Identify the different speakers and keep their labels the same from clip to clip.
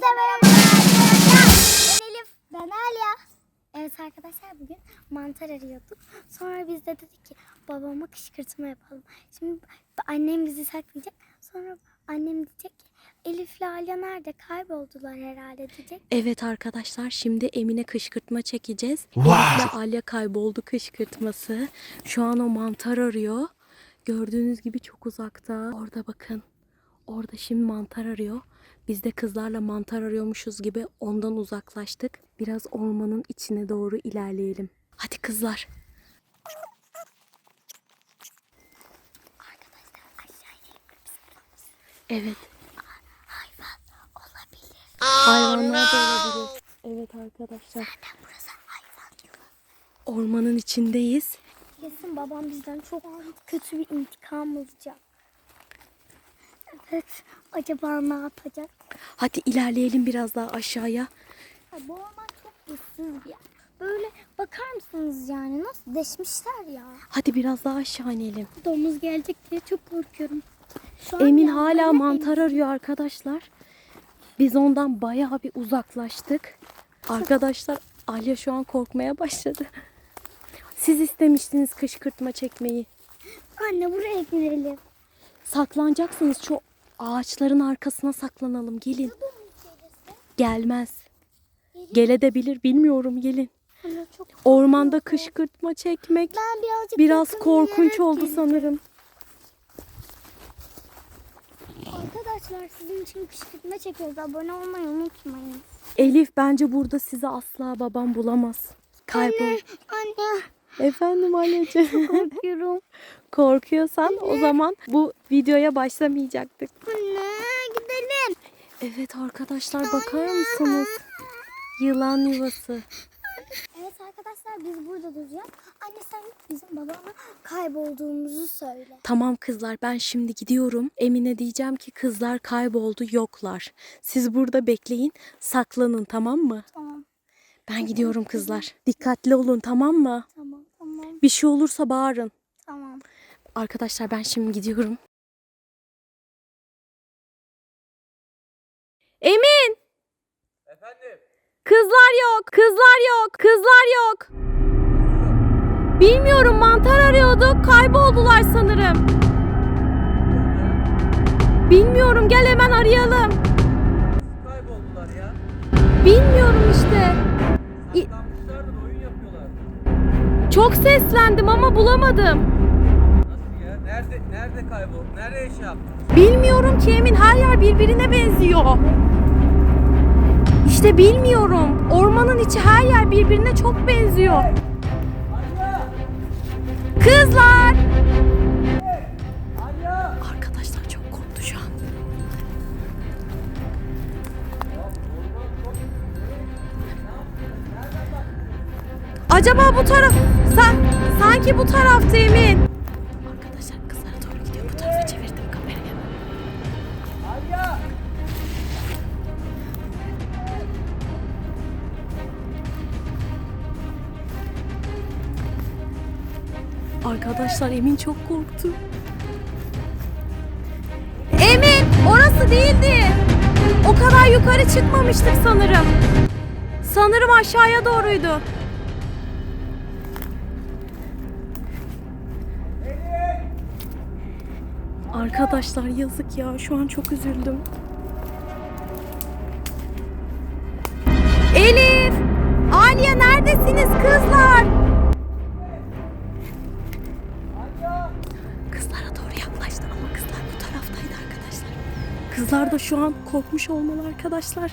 Speaker 1: merhaba arkadaşlar. Ben Elif. Ben Alya. Evet arkadaşlar, bugün mantar arıyorduk. Sonra biz de dedik ki babama kışkırtma yapalım. Şimdi annem bizi saklayacak. Sonra annem diyecek ki Elif'le Alya nerede? Kayboldular herhalde diyecek.
Speaker 2: Evet arkadaşlar, şimdi Emine kışkırtma çekeceğiz.
Speaker 3: Wow.
Speaker 2: Elif'le Alya kayboldu kışkırtması. Şu an o mantar arıyor. Gördüğünüz gibi çok uzakta. Orada bakın. Orada şimdi mantar arıyor. Biz de kızlarla mantar arıyormuşuz gibi ondan uzaklaştık. Biraz ormanın içine doğru ilerleyelim. Hadi kızlar.
Speaker 1: Arkadaşlar aşağı inelim.
Speaker 2: Evet.
Speaker 1: Hayvan olabilir.
Speaker 2: Hayvanlar da olabilir. Evet arkadaşlar.
Speaker 1: Zaten burası hayvan yolu.
Speaker 2: Ormanın içindeyiz.
Speaker 1: Kesin babam bizden çok kötü bir intikam alacak. Evet. Acaba ne yapacak?
Speaker 2: Hadi ilerleyelim biraz daha aşağıya.
Speaker 1: Bu orman çok ıssız bir yer. Böyle bakar mısınız yani nasıl deşmişler ya.
Speaker 2: Hadi biraz daha aşağı inelim.
Speaker 1: Domuz gelecek diye çok korkuyorum. Şu an
Speaker 2: Emin
Speaker 1: yağmurlu
Speaker 2: hala
Speaker 1: ve
Speaker 2: mantar arıyor arkadaşlar. Biz ondan bayağı bir uzaklaştık. Arkadaşlar Alya şu an korkmaya başladı. Siz istemiştiniz kışkırtma çekmeyi.
Speaker 1: Anne buraya girelim.
Speaker 2: Saklanacaksınız, şu ağaçların arkasına saklanalım. Gelin. Gelmez. Gelebilir, bilmiyorum, gelin.
Speaker 1: Anne çok
Speaker 2: Ormanda kışkırtma çekmek
Speaker 1: ben birazcık
Speaker 2: biraz
Speaker 1: yakın
Speaker 2: korkunç
Speaker 1: yere
Speaker 2: oldu
Speaker 1: geleyim.
Speaker 2: sanırım.
Speaker 1: Arkadaşlar sizin için kışkırtma çekiyoruz. Abone olmayı unutmayın.
Speaker 2: Elif, bence burada sizi asla babam bulamaz. Kaybol.
Speaker 1: Anne
Speaker 2: Efendim anneciğim.
Speaker 1: korkuyorum.
Speaker 2: Korkuyorsan o zaman bu videoya başlamayacaktık.
Speaker 1: Anne gidelim.
Speaker 2: Evet arkadaşlar, bakar mısınız? Yılan yuvası.
Speaker 1: Evet arkadaşlar, biz burada duracağız. Anne sen bizim babama kaybolduğumuzu söyle.
Speaker 2: Tamam kızlar, ben şimdi gidiyorum. Emine diyeceğim ki kızlar kayboldu, yoklar. Siz burada bekleyin, saklanın, tamam mı?
Speaker 1: Tamam
Speaker 2: Ben gidiyorum kızlar. Dikkatli olun, tamam mı?
Speaker 1: tamam tamam
Speaker 2: Bir şey olursa bağırın.
Speaker 1: tamam.
Speaker 2: Arkadaşlar ben şimdi gidiyorum. Emin!
Speaker 3: Efendim?
Speaker 2: Kızlar yok, kızlar yok, kızlar yok. Bilmiyorum, mantar arıyorduk, kayboldular sanırım. Bilmiyorum, gel hemen arayalım.
Speaker 3: Kayboldular ya.
Speaker 2: Bilmiyorum işte.
Speaker 3: Saklanmışlardır, oyun yapıyorlar.
Speaker 2: Çok seslendim ama bulamadım.
Speaker 3: Nasıl ya? Nerede kayboldu? Nereye şey yaptın?
Speaker 2: Bilmiyorum ki Emin, her yer birbirine benziyor. İşte bilmiyorum. Ormanın içi, her yer birbirine çok benziyor. Kızlar! Arkadaşlar çok korktu şu an. Acaba bu taraf... Sanki bu tarafta Emin. Arkadaşlar kızlara doğru gidiyor. Bu tarafa çevirdim kamerayı. Arkadaşlar Emin çok korktu. Emin, orası değildi. O kadar yukarı çıkmamıştık sanırım. Sanırım aşağıya doğruydu. Arkadaşlar yazık ya, şu an çok üzüldüm. Elif! Aliye, neredesiniz kızlar? Kızlara doğru yaklaştı ama kızlar bu taraftaydı arkadaşlar. Kızlar da şu an korkmuş olmalı arkadaşlar.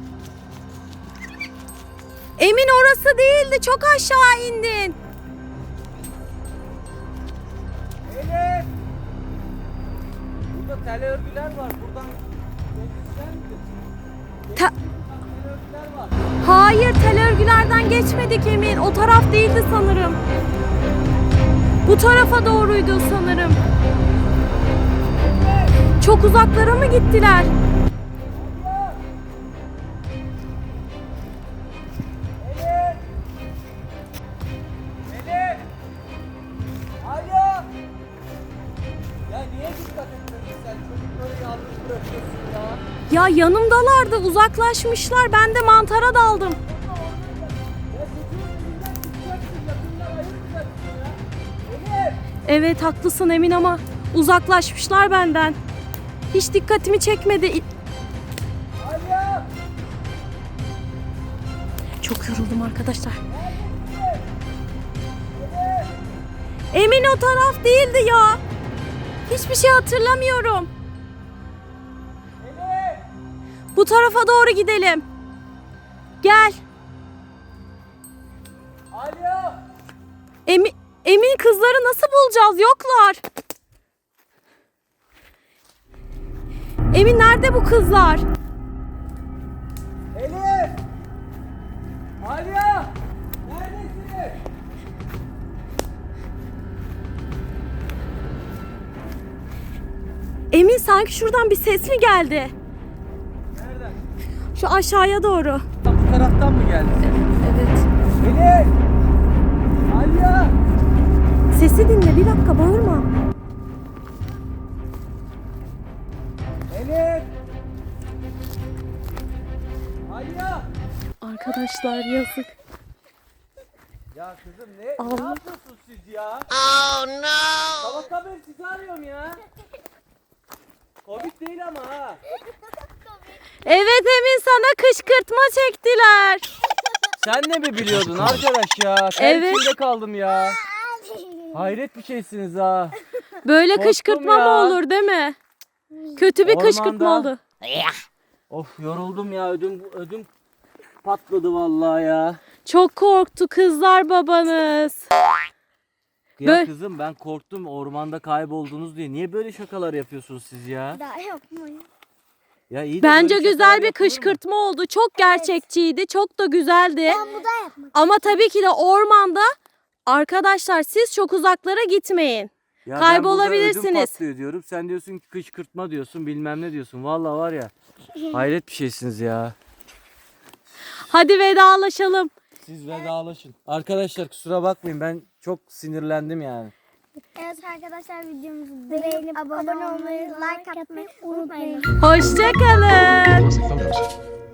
Speaker 2: Emin, orası değildi, çok aşağı indin.
Speaker 3: Elif! Burada tel örgüler var. Buradan geçecek misin?
Speaker 2: Ta-
Speaker 3: Tel örgüler var.
Speaker 2: Hayır, tel örgülerden geçmedik Emin. O taraf değildi sanırım. Bu tarafa doğruydu sanırım. Çok uzaklara mı gittiler?
Speaker 3: Elif! Elif! Alo! Ya niye dikkat etmedin sen? Çocukları yalnız bırakıyorsun ya.
Speaker 2: Ya Ya yanımdalardı, uzaklaşmışlar. Ben de mantara daldım. Evet haklısın Emin ama uzaklaşmışlar benden. Hiç dikkatimi çekmedi. Çok yoruldum arkadaşlar. Emin o taraf değildi ya. Hiçbir şey hatırlamıyorum. Bu tarafa doğru gidelim. Gel. Emin kızları nasıl bulacağız? Yoklar. Emin nerede bu kızlar?
Speaker 3: Elif! Alya! Neredesiniz?
Speaker 2: Emin sanki şuradan bir ses mi geldi?
Speaker 3: Nereden?
Speaker 2: Şu aşağıya doğru.
Speaker 3: Bu taraftan mı geldi ses?
Speaker 2: Evet.
Speaker 3: Elif! Alya!
Speaker 2: Sesi dinle, bir dakika bağırma.
Speaker 3: Elif! Alya!
Speaker 2: Arkadaşlar yazık.
Speaker 3: Ya kızım ne
Speaker 2: Allah.
Speaker 3: yapıyorsunuz siz ya? Oh no! Sabahtan beri sizi arıyorum ya. Komik değil ama ha.
Speaker 2: Evet Emin, sana kışkırtma çektiler.
Speaker 3: Sen de mi biliyordun arkadaş ya? Sen
Speaker 2: Evet.
Speaker 3: içinde kaldım ya. Hayret bir şeysiniz ha.
Speaker 2: Böyle
Speaker 3: Korktum
Speaker 2: kışkırtma
Speaker 3: ya.
Speaker 2: mı olur değil mi? Kötü bir
Speaker 3: Ormanda.
Speaker 2: kışkırtma oldu.
Speaker 3: Of yoruldum ya, ödüm patladı vallahi ya.
Speaker 2: Çok korktu kızlar babanız.
Speaker 3: Ya
Speaker 2: Böyle-
Speaker 3: kızım ben korktum ormanda kayboldunuz diye. Niye böyle şakalar yapıyorsunuz siz ya?
Speaker 1: Daha yapmayın.
Speaker 3: Ya iyi de
Speaker 2: Bence
Speaker 3: böyle
Speaker 2: güzel
Speaker 3: şakalar
Speaker 2: bir
Speaker 3: yapılır mı?
Speaker 2: kışkırtma oldu. Çok gerçekçiydi. Çok da güzeldi.
Speaker 1: Ben bu da yapmak.
Speaker 2: Ama tabii ki de ormanda arkadaşlar siz çok uzaklara gitmeyin.
Speaker 3: Ya
Speaker 2: Kaybolabilirsiniz.
Speaker 3: Ben burada ödüm patlıyor diyorum. Sen diyorsun ki kışkırtma diyorsun, bilmem ne diyorsun. Vallahi var ya. Hayret bir şeysiniz ya.
Speaker 2: Hadi vedalaşalım.
Speaker 3: Siz vedalaşın. Arkadaşlar kusura bakmayın, ben çok sinirlendim yani.
Speaker 1: Evet arkadaşlar, videomuzu beğenip abone olmayı, like atmayı unutmayın.
Speaker 2: Hoşça kalın.
Speaker 4: Classic photos.